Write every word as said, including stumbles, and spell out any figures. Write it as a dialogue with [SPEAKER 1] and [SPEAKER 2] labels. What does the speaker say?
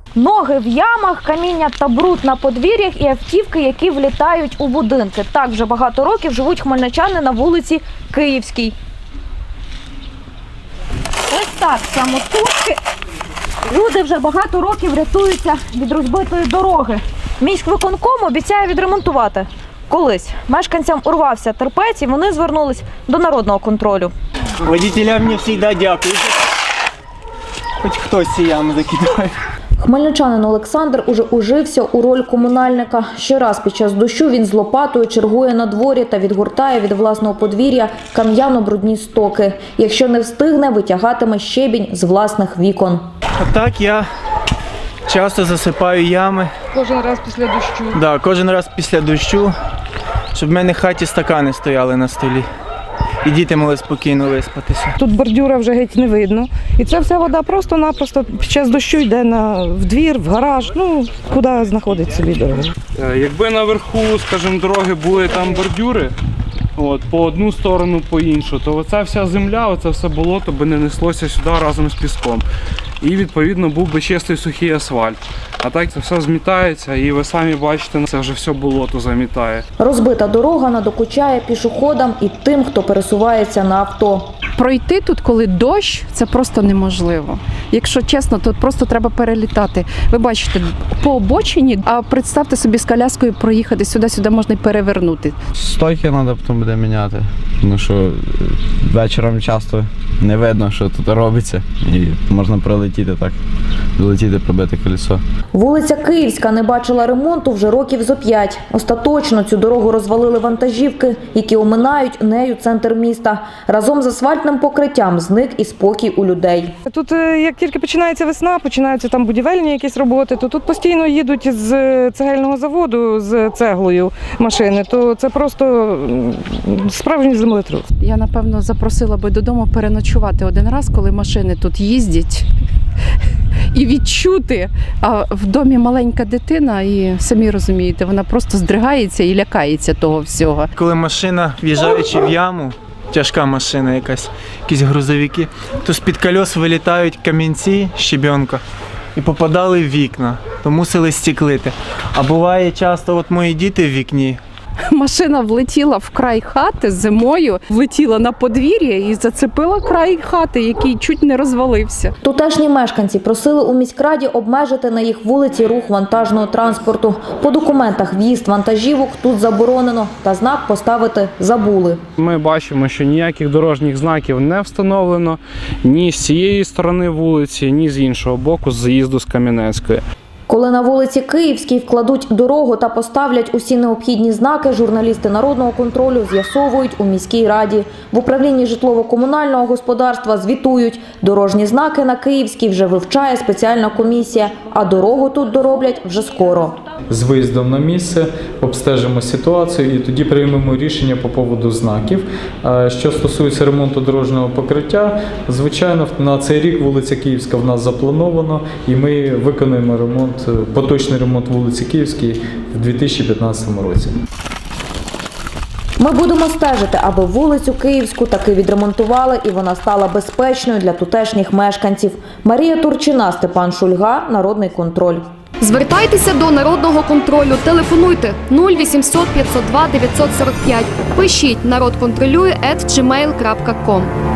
[SPEAKER 1] Ноги в ямах, каміння та бруд на подвір'ях і автівки, які влітають у будинки. Так вже багато років живуть хмельничани на вулиці Київській. Ось так, самотужки люди вже багато років рятуються від розбитої дороги. Міськвиконком обіцяє відремонтувати. Колись мешканцям урвався терпець і вони звернулись до народного контролю.
[SPEAKER 2] Водителям мені завжди дякую. Хоч хтось ці ями закидає.
[SPEAKER 1] Хмельничанин Олександр уже ужився у роль комунальника. Щораз під час дощу він з лопатою чергує на дворі та відгортає від власного подвір'я кам'яно-брудні стоки. Якщо не встигне, витягатиме щебінь з власних вікон.
[SPEAKER 2] А так я часто засипаю ями.
[SPEAKER 3] Кожен раз після дощу?
[SPEAKER 2] Так, да, кожен раз після дощу, щоб в мене в хаті стакани стояли на столі. І діти могли спокійно виспатися.
[SPEAKER 3] Тут бордюра вже геть не видно. І ця вся вода просто-напросто під час дощу йде на, в двір, в гараж, ну, куди знаходить собі дорогу.
[SPEAKER 4] Якби наверху, скажімо, дороги були там бордюри, от, по одну сторону, по іншу, то оця вся земля, оце все болото би не неслося сюди разом з піском. І, відповідно, був би чистий сухий асфальт. А так це все змітається, і ви самі бачите, це вже все болото замітає.
[SPEAKER 1] Розбита дорога надокучає пішоходам і тим, хто пересувається на авто.
[SPEAKER 5] Пройти тут, коли дощ, це просто неможливо. Якщо чесно, то просто треба перелітати. Ви бачите, по обочині, а представте собі з коляскою проїхати сюди-сюди можна й перевернути.
[SPEAKER 6] Стойки треба потім буде міняти, тому що вечором часто не видно, що тут робиться, і можна пролетіти так, долетіти, пробити колесо.
[SPEAKER 1] Вулиця Київська не бачила ремонту вже років зо п'ять. Остаточно цю дорогу розвалили вантажівки, які оминають нею центр міста. Разом з асфальтним покриттям зник і спокій у людей.
[SPEAKER 3] Тут, як тільки починається весна, починаються там будівельні якісь роботи, то тут постійно їдуть з цегельного заводу з цеглою машини, то це просто справжній землетрус.
[SPEAKER 5] Я, напевно, запросила би додому переночувати один раз, коли машини тут їздять. І відчути, а в домі маленька дитина, і самі розумієте, вона просто здригається і лякається того всього.
[SPEAKER 2] Коли машина, в'їжджаючи в яму, тяжка машина якась, якісь грузовики, то з-під кольос вилітають камінці, щебенка, і попадали в вікна, то мусили стеклити. А буває часто, от мої діти в вікні,
[SPEAKER 5] Машина влетіла в край хати зимою, влетіла на подвір'я і зацепила край хати, який чуть не розвалився.
[SPEAKER 1] Тутешні мешканці просили у міськраді обмежити на їх вулиці рух вантажного транспорту. По документах в'їзд вантажівок тут заборонено, та знак поставити забули.
[SPEAKER 4] Ми бачимо, що ніяких дорожніх знаків не встановлено ні з цієї сторони вулиці, ні з іншого боку, з заїзду з Кам'янецької.
[SPEAKER 1] Коли на вулиці Київській вкладуть дорогу та поставлять усі необхідні знаки, журналісти народного контролю з'ясовують у міській раді. В управлінні житлово-комунального господарства звітують. Дорожні знаки на Київській вже вивчає спеціальна комісія, а дорогу тут дороблять вже скоро.
[SPEAKER 7] З виїздом на місце обстежимо ситуацію і тоді приймемо рішення по поводу знаків. Що стосується ремонту дорожнього покриття, звичайно, на цей рік вулиця Київська в нас заплановано, і ми виконуємо ремонт, поточний ремонт вулиці Київській в дві тисячі п'ятнадцятому році.
[SPEAKER 1] Ми будемо стежити, аби вулицю Київську таки відремонтували і вона стала безпечною для тутешніх мешканців. Марія Турчина, Степан Шульга, Народний контроль.
[SPEAKER 8] Звертайтеся до Народного контролю. Телефонуйте нуль вісімсот п'ятсот два дев'ятсот сорок п'ять. Пишіть «Народ контролює» ет джі мейл крапка ком.